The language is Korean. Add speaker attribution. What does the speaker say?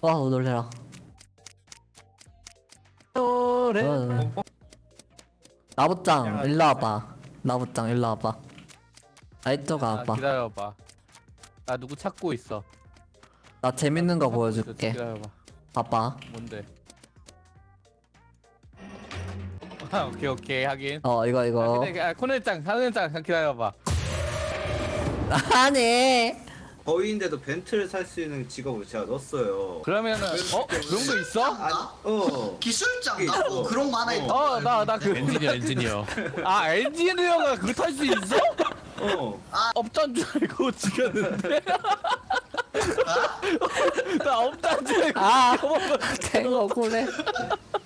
Speaker 1: 와 놀래라.
Speaker 2: 노래.
Speaker 1: 나부짱 일로 와봐. 나부짱 일로 와봐. 이쪽 와봐.
Speaker 2: 기다려봐. 나 누구 찾고 있어.
Speaker 1: 나 재밌는 거
Speaker 2: 찾고
Speaker 1: 보여줄게.
Speaker 2: 있어. 기다려봐.
Speaker 1: 봐봐.
Speaker 2: 뭔데? 아, 오케이 하긴.
Speaker 1: 이거.
Speaker 2: 코넬짱 기다려봐.
Speaker 1: 아니.
Speaker 3: 거위인데도 벤트를 살 수 있는 직업을 제가 넣었어요.
Speaker 2: 그러면은 그런 거 있어?
Speaker 4: 기술장 나고 그런 거 하나 있다.
Speaker 2: 나 그
Speaker 5: 엔지니어.
Speaker 2: 엔지니어가 그거 탈 수 있어? 업자인 줄 알고 죽였는데. 나 업자인 줄 알고.
Speaker 1: 된 거구래.